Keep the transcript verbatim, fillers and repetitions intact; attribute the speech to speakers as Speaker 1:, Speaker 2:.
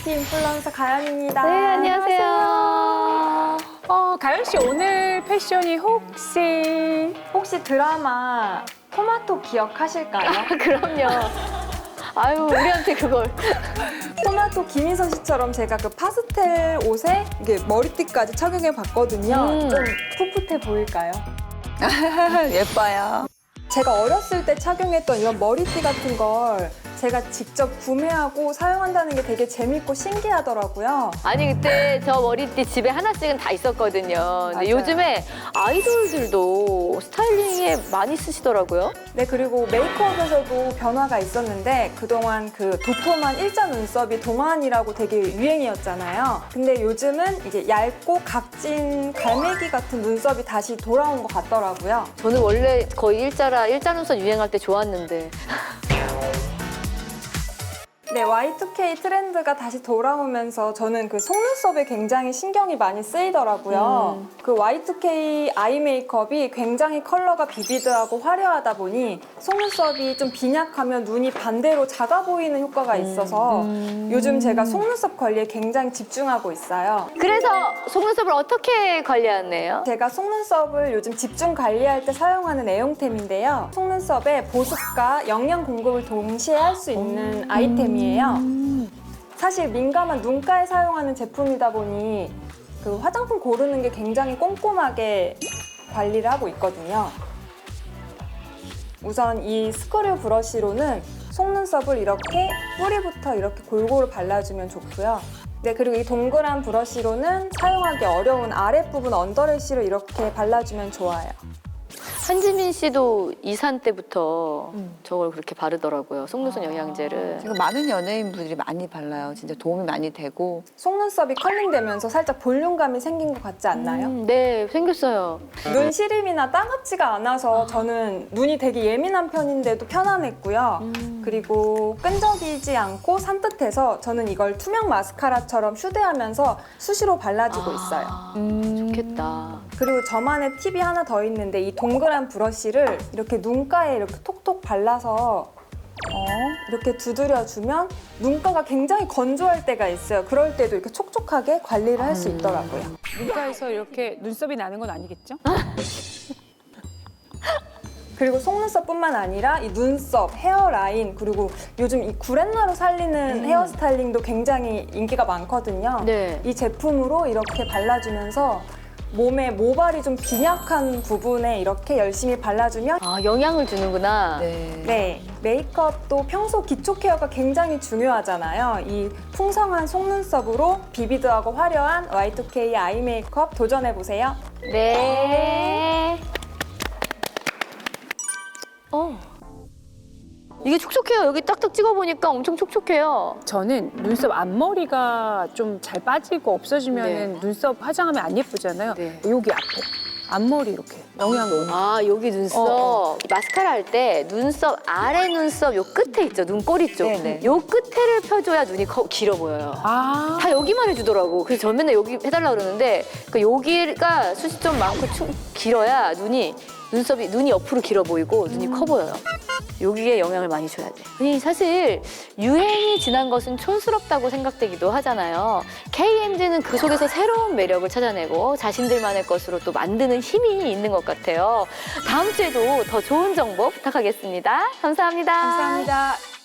Speaker 1: 뷰티 인플루언서 가연입니다.
Speaker 2: 네, 안녕하세요.
Speaker 3: 어, 가연 씨 오늘 패션이 혹시
Speaker 1: 혹시 드라마 토마토 기억하실까요?
Speaker 2: 그럼요. 아유, 우리한테 그걸.
Speaker 1: 토마토 김희선 씨처럼 제가 그 파스텔 옷에 이게 머리띠까지 착용해 봤거든요.
Speaker 2: 음.
Speaker 1: 좀 풋풋해 보일까요?
Speaker 3: 예뻐요.
Speaker 1: 제가 어렸을 때 착용했던 이런 머리띠 같은 걸 제가 직접 구매하고 사용한다는 게 되게 재밌고 신기하더라고요.
Speaker 2: 아니, 그때 저 머리띠 집에 하나씩은 다 있었거든요. 근데
Speaker 1: 맞아요.
Speaker 2: 요즘에 아이돌들도 스타일링에 많이 쓰시더라고요.
Speaker 1: 네, 그리고 메이크업에서도 변화가 있었는데 그동안 그 도톰한 일자 눈썹이 동안이라고 되게 유행이었잖아요. 근데 요즘은 이제 얇고 각진 갈매기 같은 눈썹이 다시 돌아온 것 같더라고요.
Speaker 2: 저는 원래 거의 일자라, 일자 눈썹 유행할 때 좋았는데.
Speaker 1: 네, 와이 투 케이 트렌드가 다시 돌아오면서 저는 그 속눈썹에 굉장히 신경이 많이 쓰이더라고요.
Speaker 2: 음.
Speaker 1: 그 와이 투 케이 아이 메이크업이 굉장히 컬러가 비비드하고 화려하다 보니 속눈썹이 좀 빈약하면 눈이 반대로 작아 보이는 효과가 있어서
Speaker 2: 음.
Speaker 1: 요즘 제가 속눈썹 관리에 굉장히 집중하고 있어요.
Speaker 2: 그래서 속눈썹을 어떻게 관리하네요?
Speaker 1: 제가 속눈썹을 요즘 집중 관리할 때 사용하는 애용템인데요. 속눈썹에 보습과 영양 공급을 동시에 할 수 있는 아이템이에요. 사실 민감한 눈가에 사용하는 제품이다 보니 그 화장품 고르는 게 굉장히 꼼꼼하게 관리를 하고 있거든요. 우선 이 스크류 브러쉬로는 속눈썹을 이렇게 뿌리부터 이렇게 골고루 발라주면 좋고요. 네, 그리고 이 동그란 브러쉬로는 사용하기 어려운 아랫부분 언더래쉬를 이렇게 발라주면 좋아요.
Speaker 2: 한지민 씨도 이산 때부터 저걸 그렇게 바르더라고요. 속눈썹 영양제를.
Speaker 4: 지금 많은 연예인분들이 많이 발라요. 진짜 도움이 많이 되고.
Speaker 1: 속눈썹이 컬링되면서 살짝 볼륨감이 생긴 것 같지 않나요?
Speaker 2: 음, 네, 생겼어요.
Speaker 1: 눈 시림이나 따갑지가 않아서 저는 눈이 되게 예민한 편인데도 편안했고요.
Speaker 2: 음.
Speaker 1: 그리고 끈적이지 않고 산뜻해서 저는 이걸 투명 마스카라처럼 휴대하면서 수시로 발라주고 있어요.
Speaker 2: 아,
Speaker 4: 음.
Speaker 2: 좋겠다.
Speaker 1: 그리고 저만의 팁이 하나 더 있는데 이 동그란 브러쉬를 이렇게 눈가에 이렇게 톡톡 발라서 어, 이렇게 두드려주면 눈가가 굉장히 건조할 때가 있어요. 그럴 때도 이렇게 촉촉하게 관리를 할 수 있더라고요.
Speaker 3: 눈가에서 이렇게 눈썹이 나는 건 아니겠죠?
Speaker 1: 그리고 속눈썹뿐만 아니라 이 눈썹, 헤어라인, 그리고 요즘 이 구렛나루 살리는 헤어스타일링도 굉장히 인기가 많거든요.
Speaker 2: 네.
Speaker 1: 이 제품으로 이렇게 발라주면서 몸에 모발이 좀 빈약한 부분에 이렇게 열심히 발라주면
Speaker 2: 아, 영양을 주는구나.
Speaker 4: 네.
Speaker 1: 네, 메이크업도 평소 기초 케어가 굉장히 중요하잖아요. 이 풍성한 속눈썹으로 비비드하고 화려한 와이 투 케이 아이 메이크업 도전해보세요.
Speaker 2: 네. 어. 이게 촉촉해요. 여기 딱딱 찍어보니까 엄청 촉촉해요.
Speaker 3: 저는 눈썹 앞머리가 좀 잘 빠지고 없어지면 눈썹 화장하면 안 예쁘잖아요.
Speaker 2: 네.
Speaker 3: 여기 앞에 앞머리 이렇게 영양 너무.
Speaker 2: 아, 여기 눈썹.
Speaker 3: 어,
Speaker 2: 마스카라 할 때 눈썹 아래 눈썹 요 끝에 있죠. 눈꼬리 쪽.
Speaker 4: 네네.
Speaker 2: 요 끝에를 펴줘야 눈이 커, 길어 보여요.
Speaker 3: 아,
Speaker 2: 다 여기만 해주더라고. 그래서 저 맨날 여기 해달라 그러는데 그 여기가 숱이 좀 많고 축 길어야 눈이 눈썹이 눈이 옆으로 길어 보이고 눈이 커 보여요. 여기에 영향을 많이 줘야 돼. 아니, 사실 유행이 지난 것은 촌스럽다고 생각되기도 하잖아요. 케이엠지는 그 속에서 새로운 매력을 찾아내고 자신들만의 것으로 또 만드는 힘이 있는 것 같아요. 다음 주에도 더 좋은 정보 부탁하겠습니다. 감사합니다.
Speaker 1: 감사합니다.